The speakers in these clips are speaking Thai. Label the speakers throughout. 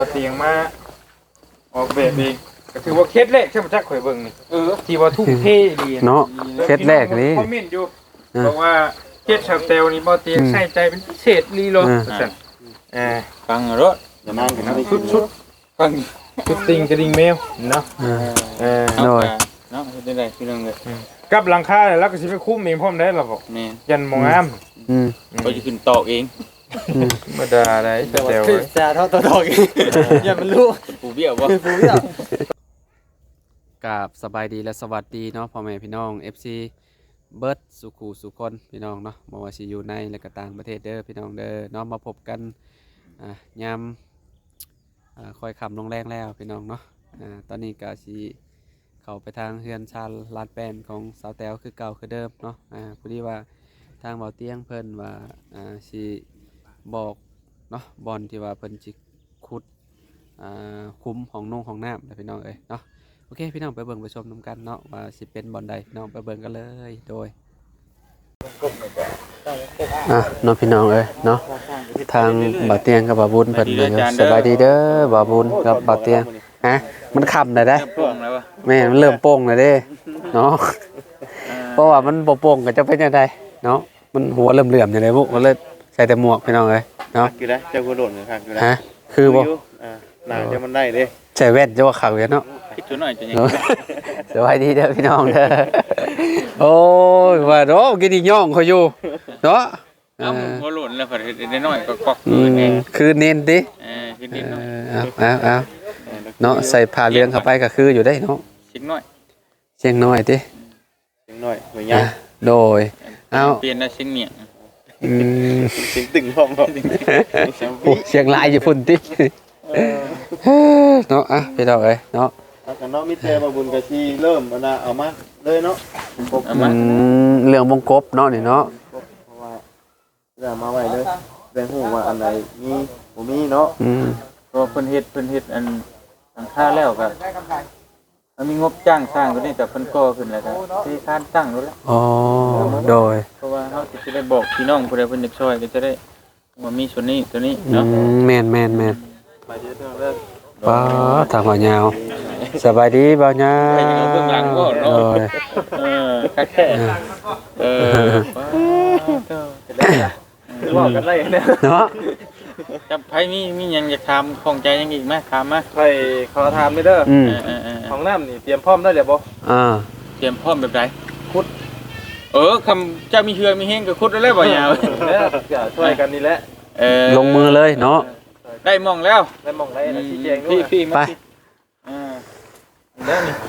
Speaker 1: เตียงมาออกแบบเองก็ถือว่าเคสแรกใช่ไหมจ๊ะข่อยเบิ่งนี่ที่ว่าทุ่มเทดี
Speaker 2: เนาะเคสแรกนี่
Speaker 1: คอมเมนต์อยู่บอกว่าเคสชาวเตลนี่บ่เตียงใส่ใจเป็นพิเศษลีโลสั่นฟังรถอย่านั่งกันนะชุดฟังชุดติงกระดิ่งแมวเนาะ
Speaker 2: โดย
Speaker 1: เนาะเป็นได้พี่น้องเลยกับหลังคาแล้วก็สิไปคุ้มเองพร้อมได้หรอบอกยันมองอ้ำก็จะขึ้นตอกเองมาด่าได้แต่ว่าจะเท่าตอกเองอย่ามันรู้ปูเบี้ยวบ่ปูเบี้ยว
Speaker 2: กับสบายดีและสวัสดีเนาะพ่อแม่พี่น้อง FC เบิร์ดสุขูสุคนพี่น้องเนาะบ่ว่าสิอยู่ในและก็ต่างประเทศเด้อพี่น้องเด้อเนาะมาพบกันยามค่อยค่ำลงแรงแล้วพี่น้องเนาะตอนนี้ก็สิเข้าไปทางเฮือนชาลลาดแป้นของสาวแต๋วคือเก่าคือเดิมเนาะพอดีว่าทางเบาเตียงเพิ่นว่าสิบอกเนาะบอลที่ว่าเพิ่นสิขุดคุ้มของนุ่งของน้ำนะพี่น้องเอ้ยเนาะโอเคพี่น้องไปเบิ่งไปชมนำกันเนาะว่าสิเป็นบอลใดน้องไปเบิ่งกันเลยโดยน้องพี่น้องเอ้ยเนาะทางบ่าวเตียงกับบ่าวบุญเพิ่นสบายดีเด้อบ่าวบุญกับบ่าวเตียงฮะมันค่ำได้แม่มันเริ่มโป่งแล้วเด้เนาะเพราะว่ามันบ่โป่งก็จะเป็นจังไดเนาะมันหัวเหลื่อมๆจังได๋บุก็เลยใส่แต่หมวกพี่น้องเอ้ยเนาะ
Speaker 3: อยู่ได้เจ้ากูโดดอยู่ข้างอยู่ได้
Speaker 2: ฮะคือบ่
Speaker 3: หนาจะมันได้เด้
Speaker 2: ใส่แว่นจะว่าขาวเนาะ
Speaker 1: คิดตัวหน่อยจะยัง
Speaker 2: สวัสดีเด้อพี่น้องเด้อโอ้ยว่าเนาะกินอีย่องเขาอยู่เนาะ
Speaker 1: เอาหัวหล่นแล้วก็ได้น้อยก็กอก
Speaker 2: คือเน้นติ
Speaker 1: คือเน้นเนาะ
Speaker 2: เอาเนาะใส่ผ้าเหลืองเข้าไปก็คืออยู่ได้เนาะ
Speaker 1: เชียงน้อย
Speaker 2: เชียงน้อยติ
Speaker 3: เชียงน้อยเหมือนยัง
Speaker 2: โดยเอา
Speaker 1: เปลี่ยนนะเชียงเหนียง
Speaker 3: เชียงตึงพร้อม
Speaker 2: เชียงรายอยู่พุ่นติเนาะพี่น้องเอ้ยเนาะ
Speaker 3: แต่เนาะมิเตอร์มาบุญกะชีเริ่มเอามาเลยเนาะ
Speaker 2: เรื่องวงกบเนาะนี่เนาะ
Speaker 3: เพราะว่าเรื่องมาไว้เลยแบ่งหูว่าอันไหนมีบ่มีเนาะ
Speaker 1: ก็เพิ่นเฮ็ดอันหลังคาแล้วก็มันมีงบจ้างสร้างตัวนี้แต่เพิ่นก่อขึ้นแล้วก็ที่คาดตั้งแล้ว
Speaker 2: อ๋อโดย
Speaker 1: เพราะว่าเฮาสิได้บอกพี่น้องผู้ใดเพิ่นอยากช่วยก็จะได้ว่ามีส่วนนี้ตัวนี้เนาะ
Speaker 2: แม่นป้าทางบ่ยาวสบายดีบ่ยาว
Speaker 1: เบื้องหลังก็เนาะคักแท้บอกกันได้
Speaker 2: เนาะ
Speaker 1: จำไผมีหยังอยากถามของใจยังอีกมั้ยถามมา
Speaker 3: ไผขอถามเด้อของน้ำนี่เตรียมพร้อมได้แล้วบ่
Speaker 1: เตรียมพร้อมแบบใดขุดคำเจ้ามีเฮือมีแฮงก็ขุดได้บ่ยาว
Speaker 3: ช่วยกันนี่แหละ
Speaker 2: ลงมือเลยเนาะ
Speaker 1: ได้มองแล้ว
Speaker 3: ได้มองได้นะชี้แจงด้วย
Speaker 1: พี่ไปได้นี่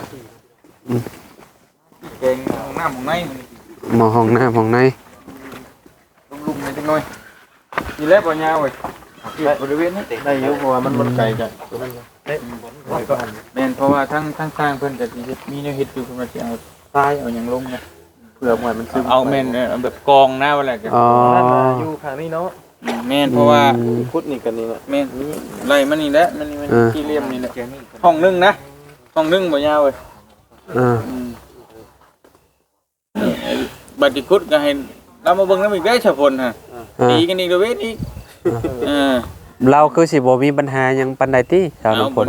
Speaker 1: แกงห้องน้ำของใน
Speaker 2: หมอห้องน้ำของใน
Speaker 1: ลุมๆนิดหน่อยนี่แหละบ่ยาวเว้ยบริเวณนี้
Speaker 3: ได้อยู่เพราะว่ามันบ่ไกลกันตัวนั้น
Speaker 1: แม่นเพราะว่าทั้งสร้างเพิ่นก็สิมีแนวเฮ็ดอยู่เพิ่นว่าสิเอาทรายเอาหยังลงนะเพื่อเหมือนมันซึมเอาแม่นแบบกองหน้าว่าแหละก็
Speaker 3: อยู่ข้างนี้เนาะ
Speaker 1: แม่นเพราะว่า
Speaker 3: พุดนี่กันนี่แหละ
Speaker 1: แม่นไล่มันนี่แหละมันที่เลี่ยมนี่แหละห้องนึงนะห้องนึงบ่ยาวเว้ยบัดนี้ขุดก็ให้เรามาเบิ่งนำอีกได้ฉะพลฮะตีกันอีกเวทอีก
Speaker 2: เราคือสิบ่มีปัญหาหยังปานใดติชาวน้ำฝน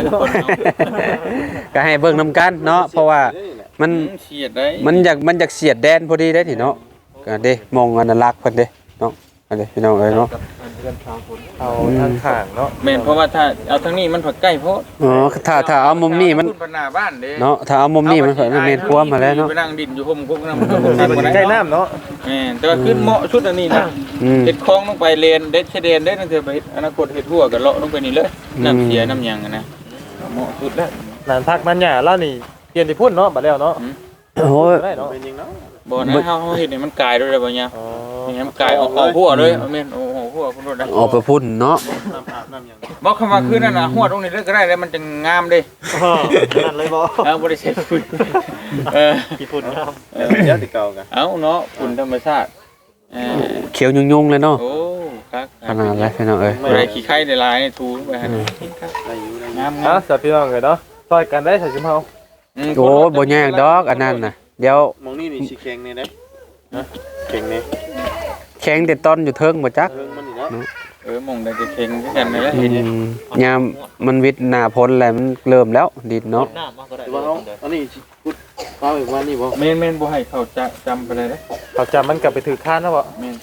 Speaker 2: ก็ให้เบิ่งนำกันเนาะเพราะว่ามัน
Speaker 1: เสียดได้
Speaker 2: มันอยากเสียดแดนพอดีได้ติเนาะก็เด้มองอนุรักษ์เพิ่นเด้เนาะอันนี้พี่น้องเอ้ยเนาะ
Speaker 3: เอาทางข้างเนาะ
Speaker 1: แม่นเพราะว่าถ้าเอาทางนี้มันผักใกล้โพด
Speaker 2: ถ้าเอามุมนี้มันเนาะถ้าเอามุมนี้มันแม่นควมมาแล้วเนาะ
Speaker 1: ไปนั่งดินอยู่ห่มพวกนั้น
Speaker 3: มันใกล้น้ำเนาะ
Speaker 1: แม่นแต่ว่าขึ้นเหมาะชุดอันนี้นะเฮ็ดคลองลงไปเลนเด็ดชะเดนได้นั่นเถอะไปอนาคตเฮ็ดหัวก็เลาะลงไปนี่เลยน้ำเสียน้ำหยังนะเหมาะสุดแล้ว
Speaker 3: นานพักนั้นหญ้าแล้วนี่เปลี่ยนที่พุ่นเนาะบัดแล้วเนาะ
Speaker 2: โอ้ย
Speaker 3: ได้เนาะเป็นจริงเนาะ
Speaker 1: บ่นะเฮาเฮ็ดนี่มันกลายด้วยบ่เนี่ยนี่มันกลายออกหัวเลยแม่นหัวพุ่นโดดได้
Speaker 2: ออกไปพุ่นเนาะ
Speaker 1: บ่คำว่าคือนั่นน่ะหัวตรงนี้เลยก็ได้แล้วมันจะงามเด้
Speaker 3: นั่นเลยบ่
Speaker 1: บ่ได้เสร็จพุ่น
Speaker 3: ที่พุ่นงามเดี๋ยวสิเก่ากัน
Speaker 1: เนาะพุ่นธรรมชาติ
Speaker 2: เขียวยุ่งๆเลยเนาะ
Speaker 1: โอ้ครับ
Speaker 2: ขนาดแล้วพี่น้องเอ้ย
Speaker 1: ได้ขี้ไข่ได้ลายนี่ทูไปหั่น
Speaker 3: ได้อยู่งามๆสับพี่น้องเนาะซอยกันได้ใส่ชุมเฮา
Speaker 2: โอ้บ่ยากดอกอันนั้นน่ะเดี๋ยว
Speaker 3: มองนี่สิแข็งนี่เด้เข็งนี่
Speaker 2: แข็งแต่ต้นอยู่เทิงบ่จัก
Speaker 1: มองได้จะเข่งคือกันนั่นแหละ
Speaker 2: ยามมันวิทย์หน้าพ้นแล้วมันเริ่มแล้วดินเนาะ
Speaker 3: ว่าเขาอันนี้พุทธเขาอีกวันนี้บ่
Speaker 1: แม่นบ่ให้เขาจำไปเลยนะ
Speaker 4: เขาจำมันกลับไปถือข้านแล้วบ่
Speaker 1: แม่น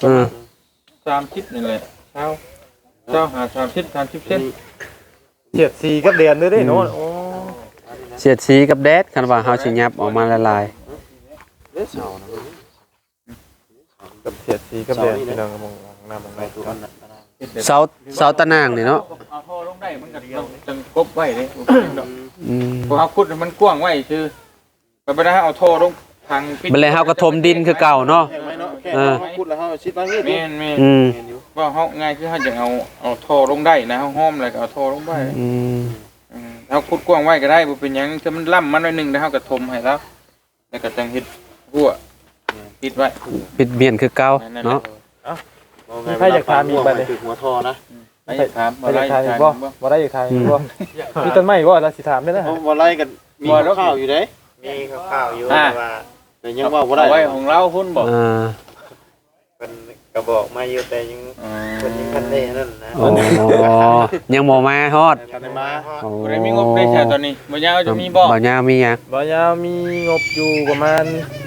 Speaker 1: 30นี่แหละเช้าหา30เส้น
Speaker 4: เฉียดสีกับเดือนด้วยเด้เนาะโอ้
Speaker 2: เสียดสีกับแดดคันว่าเฮาสิยับออกมาละลาย
Speaker 3: เด้เสานะ
Speaker 4: กับเฉียดสีกับเดือนพี่น้องมองหน้ามองในตัวนั้น
Speaker 2: เสาตะนางนี่เนาะ
Speaker 1: เอาท่อลงได้มันก็จังกบไว้เด้
Speaker 2: ม
Speaker 1: พอเฮาขุดมันกว้างไว้ซื่อไปได้เอาท่อลงทางปิด
Speaker 2: บัดแล้วเฮาก็ถมดินคือเก่าเนาะ
Speaker 3: แค่ไหมเนาะแค่เขาพูดแล้วเขาชิดว่างี้
Speaker 1: แม่น
Speaker 2: อืม
Speaker 1: ว่าเฮาง่ายคือเฮาจะเอาท่อลงได้นะเฮาห้อมแล้วก็เอาท่อลงไป
Speaker 2: อืม
Speaker 1: เฮาขุดกว้างไว้ก็ได้บ่เป็นหยังถ้ามันล่ำมันหน่อยนึงแล้วเฮาก็ถมให้แล้วแล้วก็จังเฮ็ดหัวปิดไว้
Speaker 2: ปิดเบียนคือเก่าเนาะ
Speaker 4: ใครอยากทานอีกบัดนี้
Speaker 3: หัวทอนะ
Speaker 1: ไปถาม
Speaker 4: บ่ได้ทานอีกบ่บ่ได้อยากทานอีกบ่มีต้นไม้บ่เราสิถามได้นะ
Speaker 3: บ่ไล่กันมีข้าวอยู่เด้มีข้าวอยู่แต่ว่าแต่ยังว่าบ่ได้
Speaker 1: เอาไว้ของเราพุ่นบ่
Speaker 2: อ่า
Speaker 3: เป็นกระบอกมาอยู่แต่ยังคนยังคันได้นั่นนะ
Speaker 2: โอ้ยังบ่มาฮอด
Speaker 3: คันได้มา
Speaker 2: โอ้
Speaker 1: บ่ได้มีงบได้ใช้ตอนนี้บ่ยาวจะมีบ่
Speaker 2: บ่ยาวมีหยัง
Speaker 4: บ่ยาวมีงบอยู่ประมาณ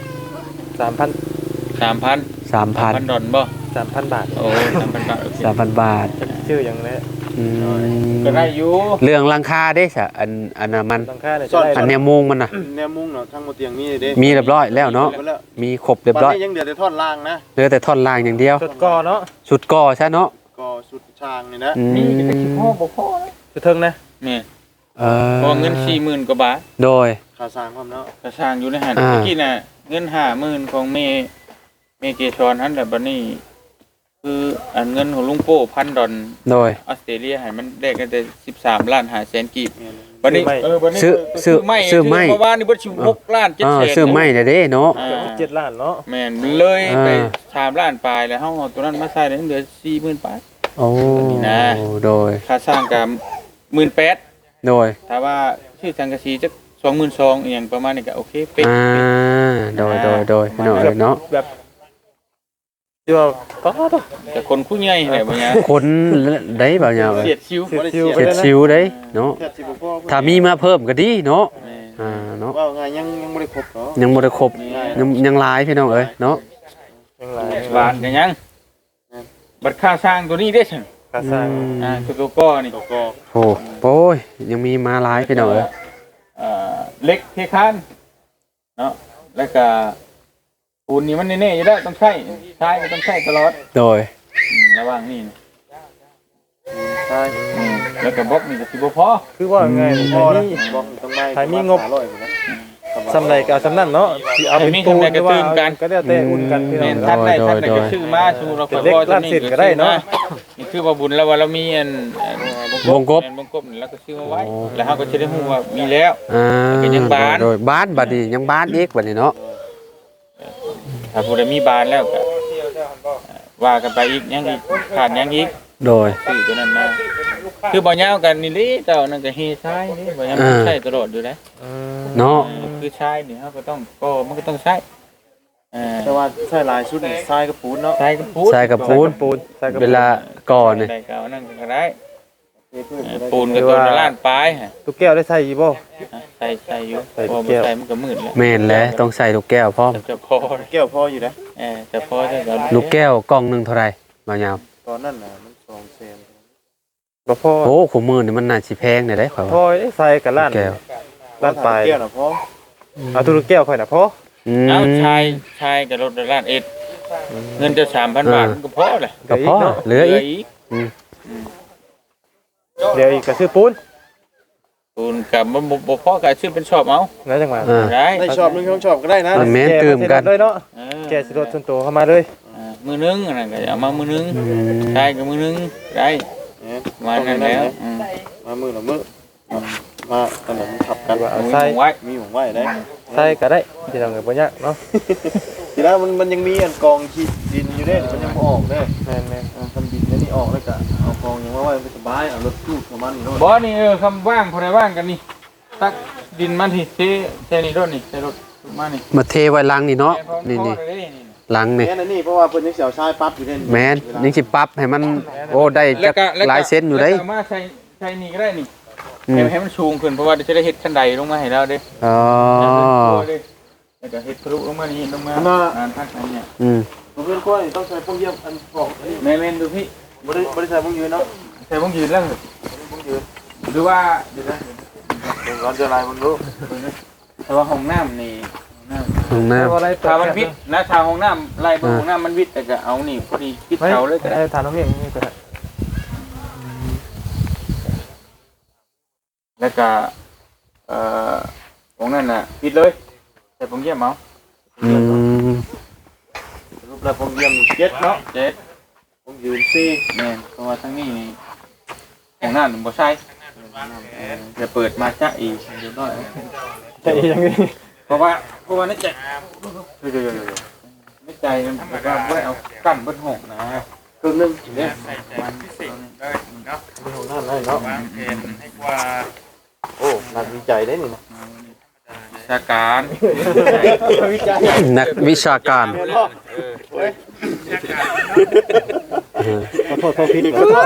Speaker 4: 3,000
Speaker 1: 3,000 ดอลบ่
Speaker 4: 3,000 บาท
Speaker 1: โอ้ 3,000 บาทโอเค
Speaker 2: 3,000 บาท
Speaker 4: ชื่อหยังแหละ
Speaker 2: อืม
Speaker 1: ก็ได้อยู่
Speaker 2: เรื่องราคาเด้ซะอันน่ะมัน
Speaker 4: หลังคาเนี่ยจะได้
Speaker 2: อันแนวมุงมันน่ะ
Speaker 3: แนวมุ้งเนาะทั้งหมดเตียงนี่เด้
Speaker 2: มีเรียบร้อยแล้วเนาะมีครบเรียบร้อย
Speaker 3: ยังเดือดท่อนล่างนะ
Speaker 2: เหลือแต่ท่อนล่างอย่างเดียว
Speaker 4: จุดก่อเนาะ
Speaker 2: ชุดก่อใช่เนาะ
Speaker 3: ก็สุดช่างนี่นะ
Speaker 2: อื
Speaker 1: มี
Speaker 2: ม
Speaker 1: แต่คิดพ่อบ่พอ
Speaker 4: จุดเทิงนะ
Speaker 1: นี่
Speaker 2: เ
Speaker 1: พอเงิน 40,000 กว่าบาท
Speaker 2: โดย
Speaker 3: ค่าสร้างความเนาะ
Speaker 1: กระช่างอยู่ในหัน
Speaker 2: อ่า
Speaker 1: เมื่อกี้น่ะเงิน 50,000 ของเมเกชรหั่นแหละบัดนี้คืออันเงินของลุงโป้1,000 ดอล
Speaker 2: โดย
Speaker 1: ออสเตรเลียให้มันได้กันแต่13 ล้าน5แสนกีบบัดนี้บัดนี้
Speaker 2: ซื้อไม้
Speaker 1: เมื่อวานนี่บ่สิ6ล้าน7แสน
Speaker 2: ซื้อไม้เด้เนาะ
Speaker 1: อ่า
Speaker 4: 7 ล้านเนาะ
Speaker 1: แม่นเลยไป
Speaker 2: อ่า
Speaker 1: 3ล้านปลายแล้วเฮาเอาตัวนั้นมาใส่ได้เหลือ 40,000 ปลาย
Speaker 2: โอ้
Speaker 1: นะ
Speaker 2: โดย
Speaker 1: ค่าสร้างก็18,000
Speaker 2: โดย
Speaker 1: ถ้าว่าชื่อสังกะสีจัก22,000อีหยังประมาณนี้ก็โอเคเป๊ะ
Speaker 2: โดยพี่น้องเอ้ยเนาะ
Speaker 4: แบบที่ว่าก็ต้อง
Speaker 1: แต่คนผู้ใหญ่แหละบ่เนี่ย
Speaker 2: คนได้บ่ยาวเอ้ย
Speaker 1: เสียดชิว
Speaker 4: เสียดชิว
Speaker 2: เช็ดชิวได้เนาะ
Speaker 3: แค่สิบ่พอ
Speaker 2: ถ้ามีมาเพิ่มก็ดีเนาะ
Speaker 1: แม่
Speaker 2: เนาะ
Speaker 3: ว่าไงยังบ่ได้ครบเนาะ
Speaker 2: ยังบ่ได้ครบยังหลายพี่น้องเอ้ยเนาะ
Speaker 4: ยังไง
Speaker 1: บาทกันยังบัตรค่าสร้างตัวนี้ได้ซั่น
Speaker 4: กระสร้าง
Speaker 1: ตัวก้อนี่
Speaker 3: ก็
Speaker 2: โอ้ยยังมีมาหลายพี่น้องเอ้ย
Speaker 1: เล็กเทคานเนาะแล้วก็ปูนนี่มันแน่ๆอยู่แล้วต้องใช้ก็ต้องใช้ตลอด
Speaker 2: โดย
Speaker 1: ระหว่างนี่
Speaker 3: ใช่
Speaker 1: แล้วก็บล็อกนี่ก็สิบ่พอ
Speaker 4: คือว่าไง
Speaker 3: พอ
Speaker 4: ไท
Speaker 3: นะ
Speaker 4: ยมี
Speaker 3: บอกต้องได้
Speaker 4: ไทยมีงบ
Speaker 3: 500นะ
Speaker 4: สำไรก็เอาสำนั่นเนาะที่เอาเป็นปูนหรือว่าก็ได้แต่อุ่นกันพี่น้
Speaker 1: แม่
Speaker 4: อง
Speaker 1: น
Speaker 4: เนาะ
Speaker 1: ท่านได้ก็ชื่อมาชูเราขอพอตัวนี้นี่คือว่าบุญแล้วว่าเรามีอันวงกบนี่แล้วก็ชื่อมาไว้แล้วเฮาก็สิได้ฮู้ว่ามีแล้ว ก็ยังบาน
Speaker 2: โดยบ้านบัดนี้ยังบ้านอีกบัดนี้เนาะ
Speaker 1: ถ้าผู้ใดมีบานแล้วก็ว่ากันไปอีกยังอีกขาดยังอีก
Speaker 2: โดย
Speaker 1: ซื้อตัวนั้นมาคือบ่ยาวกันนี่ลิเจ้านั่นก็เฮชายนี่บ่ยาวมันใช้ตลอดอยู่นะ
Speaker 2: เนาะ
Speaker 1: คือชายนี่เฮาก็ต้องก็มันก็ต้องใช้
Speaker 3: แต่ว่าใช่ลายชุดทรายกับปูนเนาะ
Speaker 1: ใช้กับปูน
Speaker 2: ใส่กับปูน
Speaker 4: ใส่กับ
Speaker 2: เวลาก่อนนี่
Speaker 1: ได้ก็เอานั่นก็ได้ปูนก็ตัวละล้านปลายฮะ
Speaker 4: ตุ๊กแก้วได้ใส่อีบ่
Speaker 1: ใส่อยู่
Speaker 4: ใส่
Speaker 1: พอ
Speaker 4: แก้ว
Speaker 1: ใส่มันก็มืดแล้ว
Speaker 2: แม่นแล้วต้องใส่ลูกแก้วพร้อม
Speaker 1: จะพอ
Speaker 3: แก้วพออยู่นะ
Speaker 1: จะพอจะก็
Speaker 2: ลูกแก้วกล่องหนึงเท่าไหร่มายาว
Speaker 3: ตอนนั้นน่ะมัน2แสน
Speaker 4: บ่พอ
Speaker 2: โอ้ขุมมือนี่มันน่าสิแพงได้ข่อย
Speaker 4: พอ
Speaker 2: ว่า
Speaker 4: ใส่กับล้าน
Speaker 2: แก้ว
Speaker 4: ล้านปลาย
Speaker 3: แก้วน่ะพอ
Speaker 4: เอาตุ๊กแก้วค่อยน่ะพอ
Speaker 1: เอาชายกับรถล้านเอ็ดเงินจะ 3,000 บาทมันก็พอแหละ
Speaker 2: ก็พอเหลืออีก
Speaker 1: อีก
Speaker 4: เดี๋ยวอีกก็ซื้อปูน
Speaker 1: ปูนกับบ่พอก็ซื้อเป็นชอบเอา
Speaker 4: นะจังหวะ
Speaker 1: ได้
Speaker 3: ได้ชอบนึงชอบก็ได้นะ
Speaker 2: มันแม่นตื่มกัน
Speaker 4: เลยเนาะแกสิรถส่วนตัวเข้ามาเลย
Speaker 1: มือนึงนั่นก็เอามามือนึงชายกับมือนึงได้มานั่นแล้ว
Speaker 3: มามือละมือมาตอนนั้นขับกัน
Speaker 4: ว่าเอา
Speaker 1: ใส่
Speaker 4: ใส่
Speaker 1: ไว้
Speaker 3: มีของไว้ได้
Speaker 4: ใส่ก็ได้ที่เราเงินบ่ยากเนาะ
Speaker 3: ทีแล้วมันยังมีอันกองขี้ดินอยู่เด้มันยังบ่ออกเด้
Speaker 4: แม่น
Speaker 3: ทำดินแล้วนี่ออกแล้วก็เอากองยังว่าไว้สบายเอารถตู้ประมาณนี้รถ
Speaker 1: บ่นี่คำว่างพอได้ว่างกันนี่ตักดินมาที่เทนี่รถนี่ใส่รถมานี่
Speaker 2: มาเทไว้ลังนี่เนาะนี่
Speaker 1: นี่
Speaker 2: หลังนี่
Speaker 3: แม่นอันนี้เพราะว่าเพิ่นยังสิเอาชายปั๊บอยู่เด้
Speaker 2: แม่นยังสิปรับให้มันโอ้ได้จักหลายเซนอยู่เด้
Speaker 1: แล้วก็มาใช้นี่ก็ได้นี่ให้มันสูงขึ้นเพราะว่าจะได้เฮ็ดคันใดลงมาให้เราเด้
Speaker 2: อ๋อ
Speaker 1: แล้วก็เฮ็ดทะลุลงมานี่ลงมาทางเนี่ย
Speaker 3: เพิ่นควรต้องใช้พวกเยี่ยมอันของ
Speaker 1: แม่นดูพี่
Speaker 3: บ่ได้ใช้พวกยืนเนาะ
Speaker 1: ใช้วงยืนแล้ว
Speaker 3: พวกยืน
Speaker 1: หรือว่าเดี๋ยวนะ
Speaker 3: ร้อนจะลายมันรู้
Speaker 1: แต่ว่าห้องน้ำนี่
Speaker 2: ห้องน้ำ
Speaker 1: ถ้ามันวิทย์นะถ้าห้องน้ำไล่ไปห้องน้ำมันวิทย์แต่ก็เอานี่พอดีคิดเขาเลยก็ได้
Speaker 4: ทานน้องเองนี่ก็ได้
Speaker 1: แล้วก็ของนั่นน่ะปิดเลยแต่ผมเยี่ยมเอา
Speaker 3: รูปแล้วพวกเยี่ยม7เนาะ
Speaker 1: 7
Speaker 3: พวกยืน4
Speaker 1: แม่นเพราะว่าทั้งนี้นี่ของนั่นบ่ใช่จะเปิดมาจ้ะอีกเดี๋ยวน้อย
Speaker 4: แต่ยังนี่
Speaker 1: เพราะว่าในใจในใจมันว่าบ่ได้เอากั้นบนห้องนะ
Speaker 3: ครึ่งนึง
Speaker 1: เนี่ยมันพิเศษเลยเนาะ
Speaker 3: ของน้ำได้เนาะ
Speaker 1: วางแผนให้กว่า
Speaker 3: โอ้นักวิจัยได้นี่นะ
Speaker 1: วิชาการ
Speaker 3: วิจัย
Speaker 2: นักวิชาการ
Speaker 3: ขอโทษผิดขอโทษ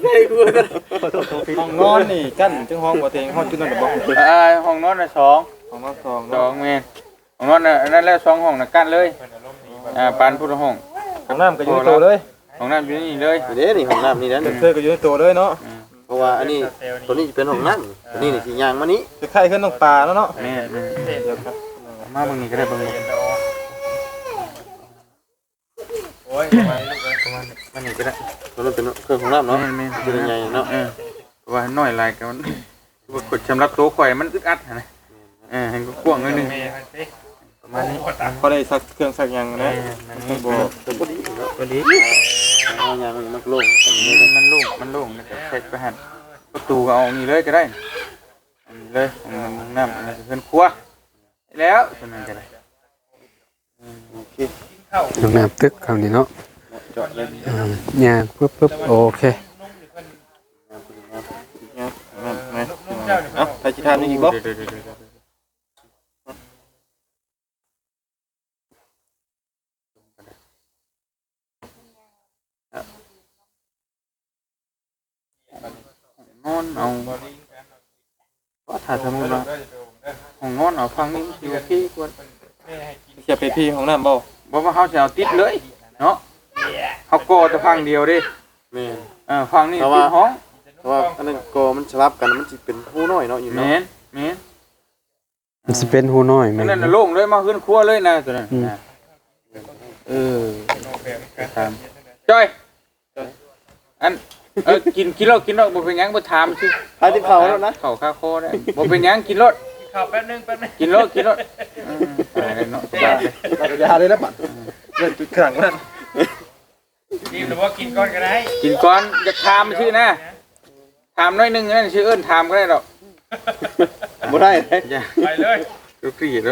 Speaker 4: ห้องนอนนี่กั้นถึงห้องบ่เต็งห้องจุดนั้นบ่
Speaker 1: ห้องนอนน่ะ2
Speaker 4: ห้องนอน2
Speaker 1: 2
Speaker 4: เนาะ
Speaker 1: แม่นห้องนอนน่ะนั่นแหละ2ห้องน่ะกั้นเลยปานพุทธห้อง
Speaker 4: ห้องน้ำก็อยู่ในตัวเลย
Speaker 1: ห้องน้ำอยู่นี่เลย
Speaker 3: เด้นี่ของน้ำนี่นะ
Speaker 4: เธอก็อยู่ในตัวเลยเนาะ
Speaker 3: เพราะว่าอันนี้ตัวนี้เป็นของน้ำตัวนี้นี่สิยางมานี้
Speaker 4: คล้ายๆขึ้นน้องปลาแล้วเนาะ
Speaker 1: แม่มาเบิ่งนี่ก็ได้เบิ่งโอ้ยมันนี่ก็ได้
Speaker 3: ตัวนั้นเป็นเครื่องของน้ำเนาะ
Speaker 1: แม่น
Speaker 3: เป็นใหญ่เนาะ
Speaker 1: เพราะว่าน้อยลายก็มันว่ากดสำหรับตัวข่อยมันอึดอัดนะให้ก็กว้างหน่อยนึงประมาณนี้
Speaker 4: พอได้ซักเครื่องซักหยังนะบ่
Speaker 3: ตัวพอดีเนาะ
Speaker 1: ตัวนี้
Speaker 3: เอายางมันโล่ง
Speaker 1: มันโล่งแล้วก็เช็ดไปหั่นประตูก็เอานี่เลยก็ได้อันนี้เลยน้ำอันนี้เป็นครัวแล้วตัวนั้นก็ได้
Speaker 3: โอเค
Speaker 2: ห้องน้ำตึกคำนี้เนาะ
Speaker 3: จอดเลย
Speaker 2: ย่างปึ๊บโอเค
Speaker 4: เอ้าไปสิทานนี่อีกบ่
Speaker 1: นอนเอาว่าถ้าสมมุติว่าห้องนอนเอาฟังนี่อยู่ที่ควร
Speaker 4: เสียไปพี่ห้องน้ำบ่
Speaker 1: บ่ว่าเฮาสิเอาติดเลยเนาะเฮาก่อแต่ฟังเดียวดิ
Speaker 3: แม่น
Speaker 1: ฟังนี่ติดห้อง
Speaker 3: เพราะว่าอันนั้นก็มันสลับกันมันสิเป็นหูน้อยเนาะอยู่เนาะ
Speaker 1: แม่น
Speaker 2: มันสิเป็นหูน้อยแม่
Speaker 1: นั่น
Speaker 2: น
Speaker 1: น่ะโล่งเลยมาขึ้นครัวเลยนะตัวนั้นตามจ้อยอันกินรถบ่เป็นหยังบ่ถามสิ
Speaker 3: ไปที่เขาแล้วนะ
Speaker 1: เข้าคาโคได้บ่เป็นหยังกินรถ
Speaker 4: ข้าวแป๊บนึง
Speaker 1: กินรถตายเนาะ
Speaker 3: ยาเลยแล้วบัด
Speaker 4: เล่นจุดขลังนั่นนี่หรือว่ากินก่อนก็ได้
Speaker 1: กินก่อนจะถามชื่อนะถามน้อยนึงนั่นชื่อเอิ้นถามก็ได้ดอก
Speaker 3: บ่ได้เด้
Speaker 4: ไปเลย
Speaker 1: ลูกพี่แล้ว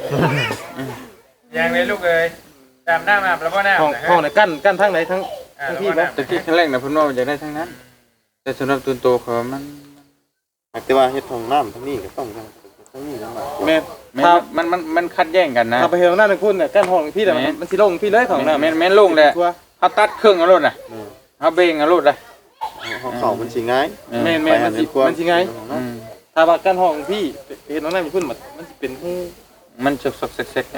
Speaker 4: ยังเลยลูกเอ้ยตามหน้ามาแล้วบ่หน้าห้องไหนกั้นทางไหนทั้งพี่บ่
Speaker 1: แต่ที่ครั้งแรกน่ะเพิ่นว่าอยากได้ทั้งนั้นแต่สำหรับตัวโตเขามัน
Speaker 3: แต่ว่าเฮ็ดของน้ำทั้งนี้ก็ต้องทั้งนี้ทั้งนั้น
Speaker 4: แม่
Speaker 1: มันคัดแย่งกันนะ
Speaker 4: ถ้าไปเฮ็ดห้องน้ำนึงคุณน่ะกั้นห้องพี่แต่มันสิลงพี่เลยของน้ำ
Speaker 1: แม่นโล่งแหละเฮาตัดเครื่องเอาโลดน่ะเฮาเบ่งเอาโลดน่ะ
Speaker 3: ของเขามันสิง่าย
Speaker 4: แม่มันสิไงถ้าว่ากั้นห้องพี่ไปเฮ็ดห้องน้ำคุณมันสิเป็นหู
Speaker 1: มันซกๆเซ็กๆนะ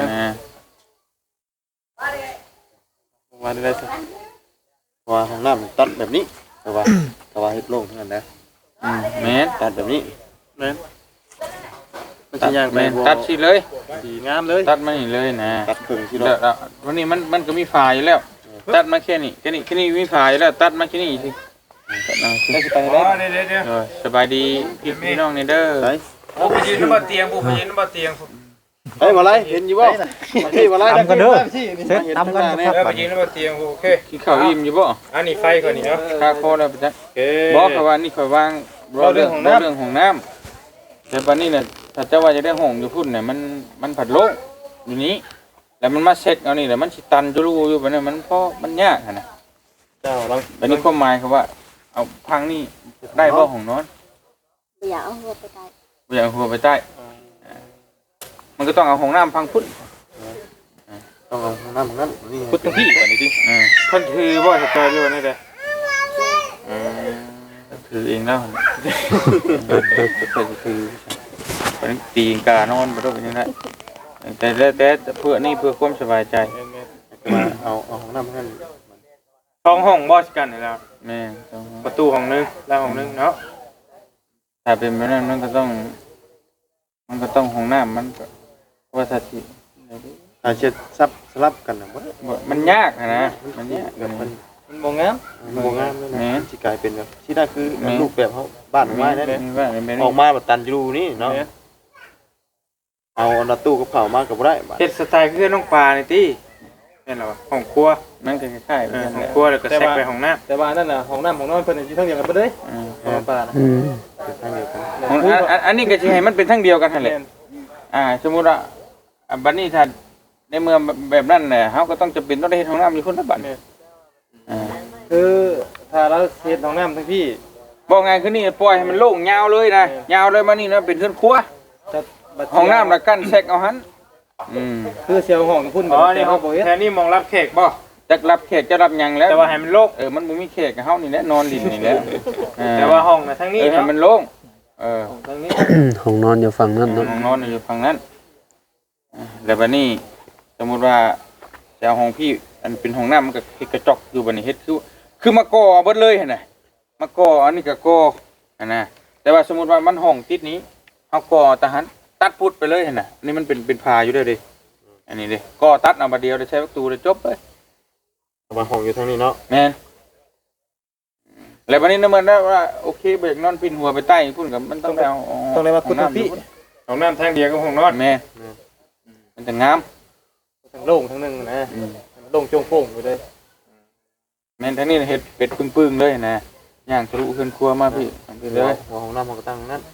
Speaker 4: ว่าได้ซะ
Speaker 3: ว่าของน้ำมันตัดแบบนี้แต่ว่าเฮ็ดโล่งเท่านั้นนะ
Speaker 1: แม่น
Speaker 3: ตัดแบบนี้
Speaker 4: แม่นมันสิย่างไป
Speaker 1: แม่นตัดสิเลย
Speaker 4: สีงามเลย
Speaker 1: ตัดมานี่เลยนะ
Speaker 3: ตัดครึ่งที่
Speaker 1: แล้ววันนี้มันก็มีฝาอยู่แล้ว ตัดมาแค่นี้มีฝาอยู่แล้วตัดมาแค่นี้สิตัดเอาสิ
Speaker 4: ได้สิไปได้เดี๋ยว
Speaker 1: สบายดีพี่น้องนี่เด้อ
Speaker 3: ไป
Speaker 4: บุกไปยืนบ่เตียงบุกไปยืนบ่เตียง
Speaker 3: เฮ้ยมาไล่เห็นอยู่บ่พี่มาไล่
Speaker 4: ตำกันเด้อ
Speaker 3: เสร็จตำกัน
Speaker 4: ไปยืนบ่เตียงโอเค
Speaker 1: กินข้าวอิ่มอยู่บ่
Speaker 4: อันนี้ไฟก่อนนี่เนาะ
Speaker 1: ค่าโคแล้วไปจ้ะ
Speaker 4: โอเค
Speaker 1: บอกเขาว่านี่ข่อยวางเรื่องของน้ำแต่ปันนี้เนี่ยถ้าเจ้าว่าจะได้ห้องอยู่พุ่นเนี่ยมันผัดโลกอยู่นี้แล้วมันมาเซ็ตเอานี่แล้วมันสิตันจุลูอยู่บัดนี้มันยากนะ
Speaker 4: เจ้าลอง
Speaker 1: บัดนี้ความหมายคือว่าเอาพังนี่ได้บ่ห้องนอน
Speaker 5: ไม่อยากเอาหัวไปตาย
Speaker 1: บ่อยากหัวไปใต้มันก็ต้องเอาห้องน้ำพังพุ่น
Speaker 3: ต้องเอาห้องน้ำของนั้นนี่
Speaker 4: พุทธพี่กว่านี้ดิ
Speaker 1: ท่านคือบ่สตอรี่วันนี้เด้
Speaker 4: ถือเองแล้วคือเป็นตีกานอนบ่ต้องเป็นยังไงแต่เพื่อนี่เพื่อความสบายใจ
Speaker 3: มาเอาห้องน้ำให้
Speaker 1: ช่องห้องบ่สิกันนี่แล้ว
Speaker 4: แม่
Speaker 1: ประตูห้องนึงแล้วห้องนึงเนาะ
Speaker 4: ถ้าเป็นแบบนั้นมันก็ต้องห้องน้ำมันก็ว่าสัตว์
Speaker 3: อาจจะซับสลับกันนะบ่
Speaker 4: มันยากนะมันยาก
Speaker 3: แบบมัน
Speaker 4: มันบ่งาม
Speaker 3: บ่งามเลยนะสิกลายเป็นแบบที่ได้คือรูปแบบเขาบ้านไม้ได้
Speaker 4: ว่า
Speaker 3: ออกมาแบบตันอยู่นี่เนาะเอาหน้าตู้กับเผามาก็บ่ได้บัด
Speaker 1: เฮ็ดสไตล์คือน้องปลานี่ติแม่นแล้วห้องครัว
Speaker 4: มันก็คล้ายๆ
Speaker 1: ห้องครัวแล้วก็แซกไปห้องน้ำ
Speaker 4: แต่ว่านั่นน่ะห้องน้ำของนอนเพิ่นอยู่ทั้งเดียวกันเบิดเลยห้องปลานะ
Speaker 3: เป็นทางเดียวกัน
Speaker 4: อันนี้ก็สิให้มันเป็นทั้งเดียวกันหั่นแหละสมมุติว่าบัดนี้ถ้าในเมืองแบบนั้นแหละเฮาก็ต้องจำเป็นต้องได้เฮ็ดห้องน้ำอยู่คนละบัด
Speaker 1: คือถ้าเราเฮ็ดห้องน้ำทั้งพี่
Speaker 4: บอกไงคือนี่ปล่อยให้มันโล่งยาวเลยนะยาวเลยมานี่นะเป็นเรือนครัวห้องน้ำละกั้นแซกเอาหัน
Speaker 1: คือเสียวห้องพุ่นอ๋อนี่ห้องแค่นี้มองรับแขกบ่
Speaker 4: จักรับแขกจะรับหยังแล้ว
Speaker 1: แต่ว่าให้มันโล่ง
Speaker 4: มันบ่มีแขกเฮานี่แหละนอนลิ้นนี่แหละ
Speaker 1: แต่ว่าห้องน่ะทั้งนี้
Speaker 4: ให้
Speaker 1: เนาะ
Speaker 4: มันโล่ง
Speaker 1: ทั้งนี้
Speaker 2: ห้องนอนอยู่ฝั่งนั้น
Speaker 4: ห้
Speaker 2: เนาะ
Speaker 4: องนอนอยู่ฝั่งนั้นแล้วบัดนี้สมมุติว่าจะเอาห้องพี่อันเป็นห้องน้ำมันก็กระจกอยู่บัดนี้เฮ็ดคือมาก่อเบิดเลยหั่นน่ะมาก่ออันนี้ก็ก่อหั่นน่ะแต่ว่าสมมุติว่ามันห้องติดนี้เฮาก่อตะหันตัดพุดไปเลยหั่นน่ะนี่มันเป็นพาอยู่เด้อเด้อันนี้เด้ก่อตัดเอาบัดเดียวได้ใช้ประตูได้จบเลย
Speaker 3: มาห้องอยู่ทางนี้เนาะ
Speaker 4: แม่นแล้วบัดนี้นะมันได้ว่าโอเคเบรกนอนปิ่นหัวไปใต้พุ่นกับมันต้องไปเอา
Speaker 1: ต้องได้มาพุทธพี่ห้องน้ำทางเดียวกับห้องนอน
Speaker 4: แม่มันจะงาม
Speaker 1: ทั้งโล่งทั้งนึงนะโล่งโจ่งโป่งอยู่เลย
Speaker 4: แม่นทั้งนี้เฮ็ดเป็ดปึ้งๆเลยนะย่างทะลุขึ้นครัวมาพี่ไปเลย
Speaker 3: ห้องน้ำก็ตั้งนั้น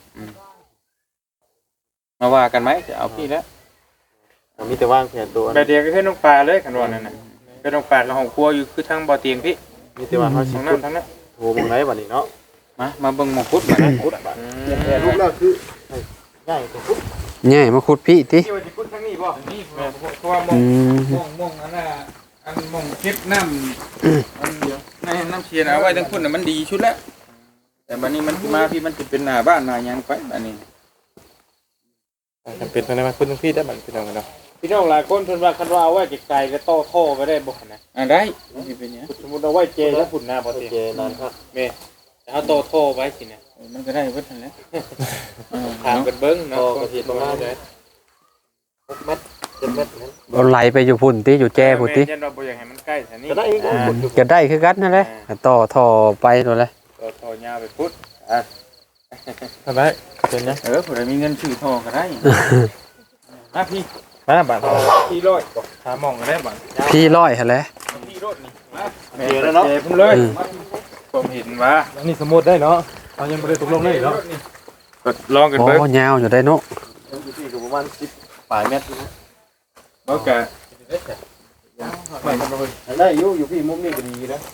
Speaker 4: มาว่ากันไหมจะเอาพี่แล้ว
Speaker 3: มีแต่ว่างแค่ตัว
Speaker 1: แบบเดียวก็คือน้องปลาเลยคันว่านั่นน่ะคือน้องปลากับห้องครัวอยู่คือทางบ่อเตียงพี่
Speaker 3: มีแต่ว่าเขาสิ
Speaker 1: ห้อง
Speaker 3: พุด
Speaker 1: น้ำทั้งนั้น
Speaker 3: โทรบ่ได้บัดนี้เนาะ
Speaker 4: มาเบิ่งหมองพุดมาพุด
Speaker 3: รูปแรกคือง่ายกว่าพุด
Speaker 2: ง่ายมาขุดพี่ติ
Speaker 1: ที่ว่าสิพุทธทางนี้บ่นี่เพราะว่ามองอันน่ะอันมองเก็บน้ำอันเดียว
Speaker 4: น้ำเชียร์เอาไว้ทั้งพุ่นน่ะมันดีชุดแล้วแต่บัดนี้มันมาพี่มันจะเป็นหน้าบ้านหน้าหยังไปบัดนี้
Speaker 1: จำเป็นต้องได้มาพุทธทางพี่ได้บัดพี่น้องกันเนาะพี่น้องหลายคนเพิ่นว่าคันว่าเอาไว้ไกลๆก็ต่อท่อก็ได้บ่นะ
Speaker 4: ได้สิเป็นหยัง
Speaker 1: สมมุติเอาไว้เจแล้วพุ่นหน้าบ่เตียง
Speaker 3: เจนั่นครับ
Speaker 1: แม่แต่เอาต่อท่อไว้สิเนี่ย
Speaker 4: มันก็ได้เบิดนั่นแหละ
Speaker 1: ถามกันเบิ่งเนาะ
Speaker 3: ก็สิประมาณ6 เมตร 7 เมตรนั้น
Speaker 2: เอาไหลไปอยู่พุ่นติอยู่แจ้พุ่นติ
Speaker 1: ยันว่าบ่อยากให้มันใกล้แถวนี้
Speaker 3: ก็ได้อีก
Speaker 2: ก็ได้คือกันนั่นแหละต่อท่อไปนั่นแหละ
Speaker 1: ต่อท่อยาวไปพุทธ
Speaker 3: ทำไมเป็นยัง
Speaker 4: ผู้ใดมีเงินซื้อทองก็ได้
Speaker 1: มาพี่มาบัดพี่ร้อยบอกหาหม่องก็ได้บัด
Speaker 2: พี่ร้อยหั่นแหละ
Speaker 1: พี่รถนี่มา
Speaker 3: เจอแล้วเนาะ
Speaker 1: เจพุ่นเลยผมเห็นว่า
Speaker 3: อันนี้สมมุติได้เนาะเอายังบ่ได้ตกลงเลยเนาะ
Speaker 1: ก็ลองกัน
Speaker 2: โอ้
Speaker 1: เบิ่ง
Speaker 2: ยาวอยู่ได้เนาะ
Speaker 3: อยู่ที่ประมาณ10ปลายเมตร
Speaker 1: บ่กะ
Speaker 3: ได้อยู่พี่มุมนี้ก็ดีนะ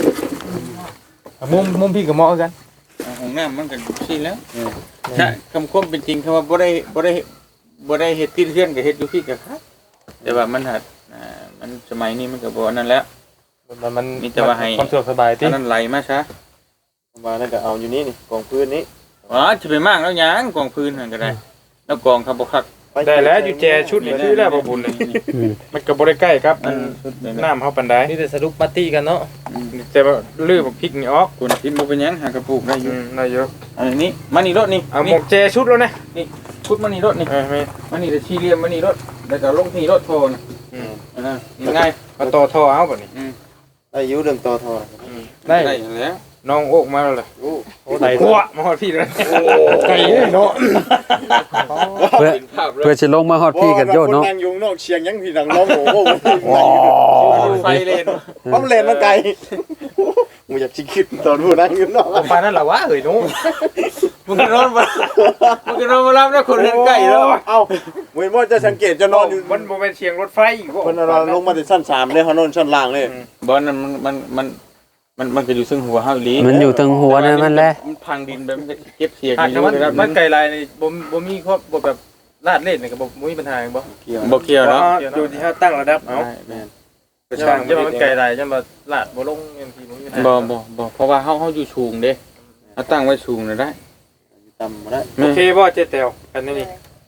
Speaker 1: มุมพี่ก็เหมาะกัน
Speaker 4: ห้องน้ำมันก็สิแล้วใช่คำความเป็นจริงคำว่าบ่ได้เฮ็ดที่เพื่อนก็เฮ็ดอยู่พี่ก็ครับแต่ว่ามันหัดมันสมัยนี้มันก็บ่นั่นแล้ว
Speaker 1: มัน
Speaker 4: มีแต่ว่าให้
Speaker 1: ความสะดวกสบายติ
Speaker 4: อันนั้นไหลมาซะ
Speaker 3: มาแล้วก็เอาอยู่นี่นี่กองพื้นนี้
Speaker 4: อ๋อจะไปมากแล้วหยังกองพื้นนั่นก็ได้ แล้วกองครับบ่คัก
Speaker 1: ได้แล้วอยู่แจชุดนี่คือแล้วบ่บุญเลยมันก็บ่ได้ใกล้ครับอันน้ำเฮาปานใด
Speaker 3: นี่แต่สรุปปาร์ตี้กันเนาะ
Speaker 1: แต่ว่าลื้อบักพริกนี่ออก
Speaker 4: คุณกินบ่เป็นหยังหากระปุกได้อยู่
Speaker 1: ได้เยอะ
Speaker 4: อันนี้มานี่รถนี่
Speaker 1: เอาหมกแจชุดแล้วนะ
Speaker 4: นี่ชุดมานี่รถนี่
Speaker 1: แม่
Speaker 4: มานี่จะชี้เรียมมานี่รถแล้วก็ลงที่รถโทนง่าย
Speaker 1: เอาต่อท่อเอาบัดนี้
Speaker 3: ได้อยู่เรื่องต่อทอ
Speaker 1: ได้
Speaker 4: แล้ว
Speaker 1: น้องโอกมาแล้วล่ะ
Speaker 3: โอ้
Speaker 1: ได้หัวมาฮอดพี่เลย
Speaker 3: ไก่เนาะ
Speaker 2: เพื่อสิลงมาฮอดพี่กันโยเนาะ
Speaker 3: นั่งอยู่นอกเชียงยังพี่ดังร้องโอ้โห
Speaker 4: ไฟเลน
Speaker 3: ป้อมเลนมาไกลมึงอยากชิคิดตอนผู้นั่งอยู่นอก
Speaker 1: ปานนั้นล่ะวะเอ้ยหนู
Speaker 4: มึงก็นอนมาแล้วคนเล่นไก่แล้ว
Speaker 3: เอ้ามึงว่าจะสังเกตจะนอนอยู่
Speaker 1: มันบ่แม่นเสียงรถไฟอีกบ่
Speaker 3: คนนอนลงมาถึงชั้น3เลยเขานอนชั้นล่างเลย
Speaker 4: บอลนั้นมันก็อยู่ซึ่งหัวเฮาอีหลี
Speaker 2: มันอยู่ทางหัวนั่นมันแหละ
Speaker 4: มันพังดินไปมันจะเก็บเสียง
Speaker 1: หาก
Speaker 4: อยู่
Speaker 1: มัน
Speaker 4: นะครับ
Speaker 1: มันไกลลายนี่บ่มีครบบ่แบบลาดเล่นนี่ก็บ่มีปัญหาบ่
Speaker 4: บ่เกี่ยวเนาะ
Speaker 1: อยู่ที่เฮาตั้งระดับเอา
Speaker 3: แม่น
Speaker 1: ก็ช่างจะมันไกลได้จังว่าลาดบ่ลงบางทีบ่มีปัญหา
Speaker 4: บ่เพราะว่าเฮาอยู่สูงเด้เอาตั้งไว้สูงน่ะได้
Speaker 3: ต่ำบ่ได้
Speaker 1: โอเคบ่เจ๊แตวกันนี่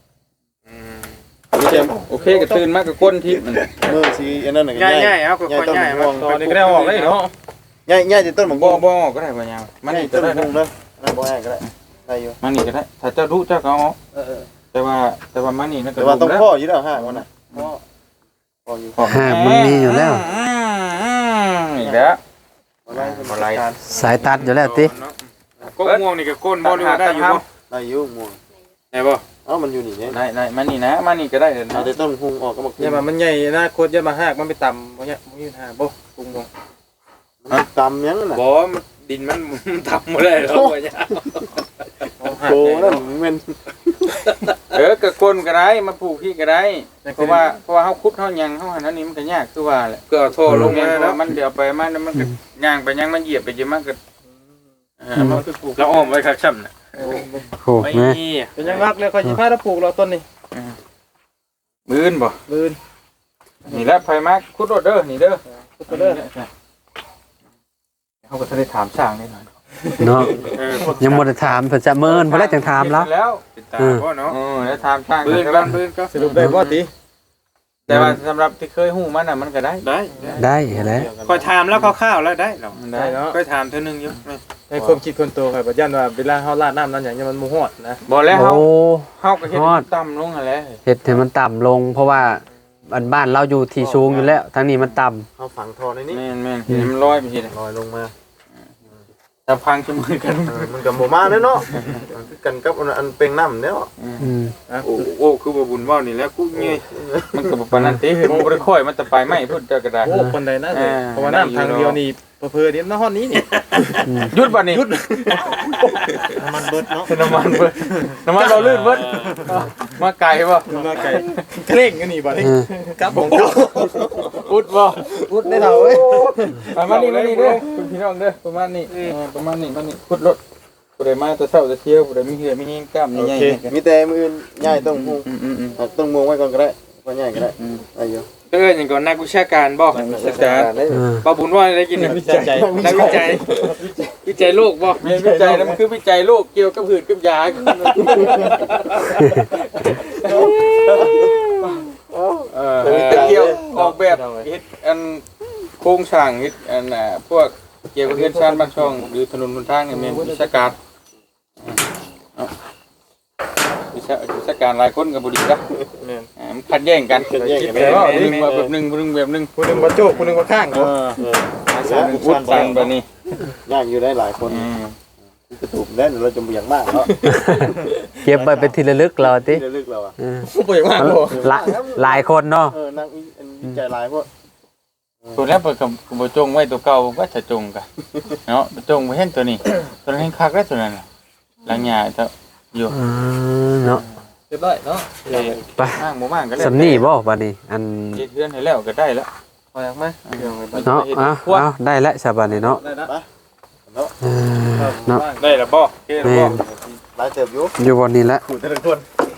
Speaker 4: โอเคก็ตื่นมาก็ก้นทิพย์มัน
Speaker 3: มือสิอันนั้นน่ะ
Speaker 1: ง่ายๆเอาก็ค่อยง่ายมาตอนนี้ก็ได้ออกเลยเนาะ
Speaker 3: ง่ายๆจะต้นหมก
Speaker 4: บ่ก็ได้บ่ยาวมันนี่ก็
Speaker 3: ต้น
Speaker 4: ได้
Speaker 3: หมกเด้อนั่นบ่ง่ายก็ได้ได้อยู่
Speaker 4: มันนี่ก็ได้ถ้าเจ้ารู้เจ้าก็เอา แต่ว่ามันนี่นั่นก็
Speaker 3: แต่ว่าต้องพ่ออยู่แล้วฮะมันน่ะพ่ออยู่
Speaker 2: หากมันมีอยู่แล้ว
Speaker 4: อีกแล้ว
Speaker 3: อะไร
Speaker 2: สายตัดอยู่แล้วติ
Speaker 1: ก็ม่วงนี่ก็ก้นบ่รู้ได้อยู่บ่
Speaker 3: ได้อยู่ม่วง
Speaker 1: ได้บ่
Speaker 3: เอ้ามันอยู่นี่เนี่ย
Speaker 4: ได้มันนี่นะมันนี่ก็ได้
Speaker 3: เอาแต่ต้นพุงออกก็มา
Speaker 1: อย่ามามันใหญ่นะโคตรอย่ามาหากมันไปต่ำบ่เนี่ยบ่มีปัญหาบ่ปรุงบ่
Speaker 3: ตำยังน่ะ
Speaker 1: บ่มันดินมันต่ำบ่ได้แล้วบ่เนี่ย
Speaker 3: โกนั่นมัน
Speaker 4: ก็ก้นก็ได้มาปลูกพี่ก็ได้เพราะว่าเฮาขุดเฮายังเฮาอันนั้นนี่มันก็ยากคือว่าแหละ
Speaker 1: ก็เอาท่อลงมาแล้ว
Speaker 4: มันเดี๋ยวไปมันก็ย่างไปย่างมันเหยียบไปจะมันก็มันคือปลูก
Speaker 1: แล้วอ้อมไว้คักช่ำน่ะ
Speaker 2: โอ้
Speaker 1: ไม่
Speaker 2: แม่
Speaker 1: มีเป็นยังรักเลยค่อยสิพาเราปลูกเราต้นนี้
Speaker 4: มื้นบ่
Speaker 1: บืน
Speaker 4: นี่แหละไผมาขุดรถเด้อนี่เด้อ
Speaker 1: ก็เด้อ
Speaker 4: เฮาก็ได้ถามสร้างได้หน่อย
Speaker 2: เนาะยังบ่ได้ถามเพิ่นจะเมินบ่ได้จังถามแล้ว
Speaker 4: แล้ว
Speaker 1: ติดตาบ่เนาะ
Speaker 4: แล้วถามสร้าง
Speaker 1: บืนกันบืนก็สรุปได้บ่ติ
Speaker 4: แต่ว่าสำหรับที่เคยฮู้มันน่ะมันก็ได้
Speaker 1: ได้
Speaker 2: ได้เห็นแล้ว
Speaker 1: ค่อยถามแล้วคร่าวๆแล้วได้เนาะ
Speaker 4: ได้เนาะ
Speaker 1: ค่อยถามเทื่อนึงอยู่ในความคิดคนโตค่อยบ่ยันว่าเวลาเฮาราดน้ำนั้นหยังมันบ่ฮอดนะ
Speaker 4: บ่แล้ว
Speaker 2: โอ้
Speaker 4: เฮาก็เฮ็ดต่ำลงหั่นแหละ
Speaker 2: เฮ็ดให้มันต่ำลง เพราะว่าบ้านเราอยู่ที่สูงอยู่แล้วทางนี้มันต่ำ
Speaker 3: เอาฝังทอในนี้
Speaker 4: แม่นๆมันลอยไปทีละ
Speaker 3: ลอยลงมา
Speaker 4: ถ้าพังจะมือกัน
Speaker 3: มันกับหมูมาเนาะคือกันกับอันเป็นน้ำเนาะ
Speaker 2: อืม
Speaker 1: โอ้คือบ่บุญเว้านี่แหล้วกูเงย
Speaker 4: มันก็บ่ปานนั้นติมันบ่ได้ค่อยมันจะไปไม่พุ่นเจ้าก็ได้
Speaker 1: โอ้คนใดนะเพราะว่าน้ำทางเดียวนี่เพิ่นๆนี่น้ำฮอดนี้นี่
Speaker 4: หยุดบัดนี้
Speaker 3: มันเบิดเนาะ
Speaker 4: น้ำมันเบิดน้ำมันเราลื่นเบิดมาไกลบ่
Speaker 1: มาไกลเคร่งกันนี่บ่นี่กับของเจ้า
Speaker 4: อุดบ่
Speaker 1: พูดได้เท่าเว้ย
Speaker 4: ประมาณนี้เด้อคุณพี่น้องเด้อประมาณนี้ประมาณนี้ขุดรถผู้ใดมาแต่เช้าแต่เที่ยวผู้ใดมีเหือมีแห้งกล้ามใหญ่ๆ
Speaker 3: มีแต่มืออื่นง่ายต้องพุงต้องมวงไว้ก่อนก็ได้ก็ง่ายก็ได้อายุ
Speaker 1: เอ้ยอย่างก่อนนักวิชาการบ่
Speaker 4: ศึกษา
Speaker 1: บ่บุญว่าได้กินนักวิจัยนักวิจัยวิจัยโลกบ่
Speaker 4: เรียนวิจัยนั้นมันคือวิจัยโรคเกี่ยวกับหืดกับยาเกี่ยวออกแบบเฮ็ดอันโครงสร้างเฮ็ดอันพวกเกี่ยวกับเฮ็ดชานบ้านช่องหรือถนนหนทางเนี่ยแม่นวิชาการวิชาการหลายคนก็บ่ดีนะมันขัดแย้งกันคิดว่าแบบนึงแบบนึงแบบนึง
Speaker 1: ผู้นึงบ่โจกผู้นึงบ่ข้างบ่
Speaker 4: วุฒิสันแบบนี้
Speaker 3: ยากอยู่ได้หลายคนกระตุกได้เราจะบ่อย่างมากเนาะ
Speaker 2: เก็บไว้เป็นที่ระลึกเราติ
Speaker 3: เรื่องเราอ่ะ
Speaker 1: บ่อยมากบ่
Speaker 2: หลายคนเนาะ
Speaker 3: นั่งวิจัยหลายพวก
Speaker 4: ตัวนี้เปิดกับบ่จงไว้ตัวเก่าว่าจะจงกันเนาะจงบ่เห็นตัวนี้ตัวนั้นคักแล้วตัวนั้นหลังหญ้าเจ้าอยู่
Speaker 2: เนาะ
Speaker 1: เรียบร้อยเนาะ
Speaker 2: ไป
Speaker 4: มากบ่มากก็ได้
Speaker 2: สำนี่บ่บัดนี้อัน
Speaker 4: เฮ็ดเฮือนให้แล้วก็ได้แล้ว
Speaker 1: พออยากมั้ย
Speaker 2: เนาะเอาได้แล้วฉบับนี้เนาะ
Speaker 1: ได้ละ
Speaker 2: เนาะ
Speaker 1: ได้ละบ่เก้ละ
Speaker 2: แม่
Speaker 1: บ่
Speaker 2: น
Speaker 3: หลายเติบอยู่
Speaker 2: อยู่บนนี้ละ
Speaker 3: ขู่แต่ละคน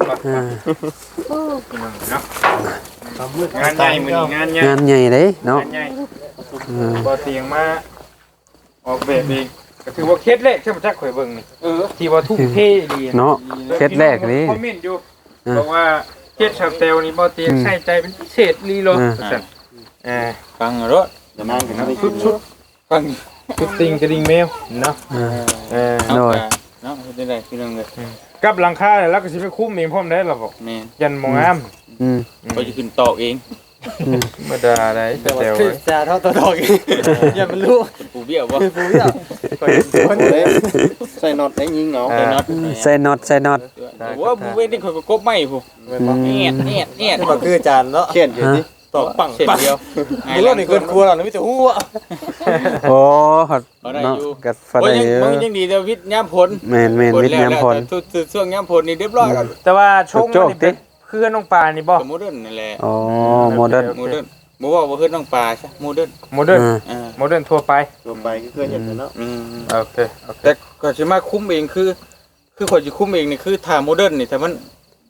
Speaker 1: งานใหญ่มื้อนี้งานใหญ่
Speaker 2: งานใหญ่เด้เนาะ
Speaker 1: งานใหญ่บ่เตียงมาออกแบบเองก็ถือว่าเคสแรกใช่บ่จักข่อยเบิ่งนี่ที่ว่าทุ่มเทดี
Speaker 2: เนาะเคสแรกนี่
Speaker 1: คอมเมนต์อยู่บอกว่าเคสชาวเตลนี่บ่เตียงใส่ใจเป็นพิเศษลีโลซั่น
Speaker 4: ฟังรถ
Speaker 3: จะนั่งกันนี่
Speaker 1: ชุด
Speaker 4: ฟัง
Speaker 1: ชุดติงกระดิ่งแมวเนาะ
Speaker 4: เนาะเนาะเฮ็ดได้พี่น้องเอ้ย
Speaker 1: กับหลังคาแล้วก็สิไปคุ้มเองพร้อมได้ล่ะบ่
Speaker 4: แม่น
Speaker 1: ยันมองงาม
Speaker 2: อืม
Speaker 4: ก็จะขึ้นตอกเอง
Speaker 1: ธรรมดาได้ชาวเตล
Speaker 3: จ่าเท่าตัวดอกอย่ามันรู้
Speaker 4: ปูเบี้ยวบ่
Speaker 3: ปูเบี้ยวใส่น็อตไอ้ยิงเหงา
Speaker 4: ใส่น็อต
Speaker 2: ใส่น็อต
Speaker 4: ว่าผู้เว้นนี่เขาก็กบไม้ผู้เนียด
Speaker 3: มันคือจานเนาะเขียนอยู่ดิตอกปัง
Speaker 4: เสร็จเดียว
Speaker 3: มีรถนี่เกินครัวแล้วมีแต่หัว
Speaker 2: โอ้เนาะกัดฟัน
Speaker 4: โอ้ย
Speaker 2: ได้
Speaker 4: มันยังดีเดวิดย่ำผล
Speaker 2: แม่นวิทย์ยามพล
Speaker 4: ช่วงย่ำผลนี่เรียบร้อยแล้ว
Speaker 1: แต่ว่าชงนี่เป็นเพื่อนน้องปลานี่บ่
Speaker 4: โมเดิร์นนั่นแหละ
Speaker 2: อ๋อโมเดิร์น
Speaker 4: โมเดิร์นบ่ว่าบ่เฮ็ดน้องปลาใช่โมเดิร์น
Speaker 1: โมเดิร์น
Speaker 4: อ่า
Speaker 1: โมเดิร์นทั่วไป
Speaker 3: ตัวไปก็เคยเห็นเนาะ
Speaker 1: โอเคโอเค
Speaker 4: แต่ก็สิมาคุมเองคือข่อยสิคุมเองนี่คือถ้าโมเดิร์นนี่ถ้ามัน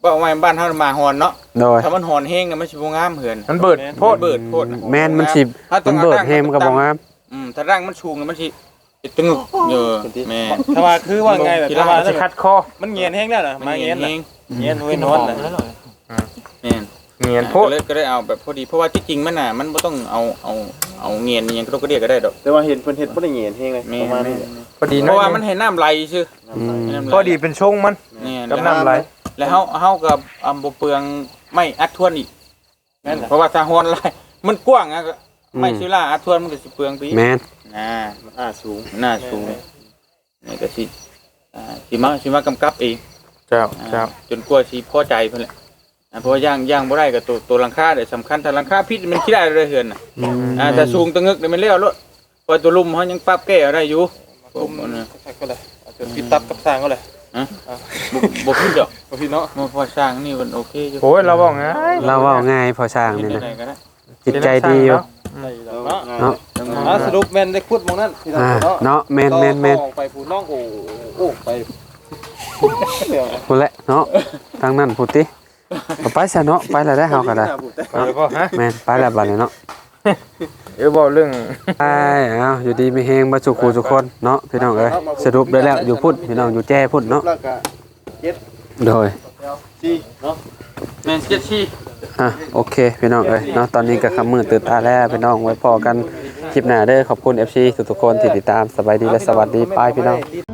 Speaker 4: ว่าไว้บ้านเฮามาฮอนเนาะ
Speaker 2: โดย
Speaker 4: ถ้ามันฮอนแห้งน่ะมันสิบ่งามเหือน
Speaker 1: มันเบิดโพด
Speaker 4: เบิดโพด
Speaker 2: แม่นมันสิมันเบิดแฮมนก็บ่งาม
Speaker 4: ถ้าร่างมันสูงน่ะมันสิตึงเออแม่
Speaker 3: ถ้าว่าคือว่าไงแบบ
Speaker 1: ที่
Speaker 3: ถ้า
Speaker 1: ร้า
Speaker 3: ว่าน
Speaker 1: สิคัดคอ
Speaker 3: มันเงียนแห้งแล้วน่ะมาเงียนน่ะเงียนเว้นนอนน่ะ
Speaker 4: แม่น
Speaker 1: เงียนโพด
Speaker 4: ก็เลยเอาแบบพอดีเพราะว่าที่จริงมันน่ะมันบ่ต้องเอาเงียนอิหยังก็ได้ดอก
Speaker 3: แต่ว่าเห็นเพิ่นเฮ็ดบ่ได้เงียนแห้งเลยประมาณนี้
Speaker 1: พอดี
Speaker 4: เพ
Speaker 1: น้อ
Speaker 4: ราะ
Speaker 1: ย
Speaker 4: ว่ามันให้น้ำไหลซื่อ
Speaker 1: พอดีเป็นชงมัน
Speaker 4: นี่
Speaker 1: กับน้ำไหล
Speaker 4: แล้วเฮากับบ่เปลืองไม่อัดทวนอีก
Speaker 3: แม่นน่ะ
Speaker 4: เพราะว่าถ้าฮอนไหลมันกว้างอ่ะไม่ซิล่าอัดทวนมันก็สิเปลืองไป
Speaker 2: แม่น
Speaker 3: สูง
Speaker 4: หน้าสูงนี่ก็สิสิมากำกับเอง
Speaker 1: เจ้าเจ้า
Speaker 4: จนกว่าสิพอใจเพิ่นแหละเพราะว่าย่างบ่ได้ก็ตัวหลังคาเนี่ยสำคัญถ้าหลังคาพิษมันคิดได้เลยเฮือนน่ะถ้าสูงตะงึกนี่มันแล้วรถพอตัวลุ่มเฮายังปรับแก้ได้อยู่
Speaker 3: ผมก็เลยอาจจะพิตับกับสร้างก็เลย
Speaker 4: บ่ผิดดอก
Speaker 3: บ่พี่เนาะ
Speaker 4: มาพอสร้างนี่มันโอเคอยู่
Speaker 1: โอ้ยเราบอกไง
Speaker 2: เราเว้าง่ายพอสร้างนี่นะ
Speaker 4: ได้ก็ได้
Speaker 2: จิตใจดีอยู่
Speaker 3: เนาะ
Speaker 2: เนาะ
Speaker 3: สรุปแม่นได้ขุดมองนั้นพี่
Speaker 2: เนาะแม่น
Speaker 3: ออกไปผู้น้องโอ้ไป
Speaker 2: พูดแหละเนาะทางนั้นพูดติเอาไปซะเนาะไปแล้วได้เฮาก็ได้
Speaker 1: ไปเลยบ่ฮะ
Speaker 2: แม่นไปแล้วบัดนี้เนาะ
Speaker 1: เดี๋ยวบอกเรื่อง
Speaker 2: ไปเอาอยู่ดีมีแฮงบ่สุขทุกคนเนาะพี่น้องเอ้ยสรุปได้แล้วอยู่พุ่นพี่น้องอยู่แจ้พุ่นเนาะ
Speaker 3: แล้วก็
Speaker 2: โดย
Speaker 3: 4เนาะ
Speaker 4: แม่นเจ็ดที่
Speaker 2: โอเคพี่น้องเอ้ยเนาะตอนนี้ก็ค่ำมืดตื่นตาแล้วพี่น้องไว้พอกันคลิปหน้าเด้อขอบคุณ FC ทุกๆคนที่ติดตามสบายดีและสวัสดีไปพี่น้อง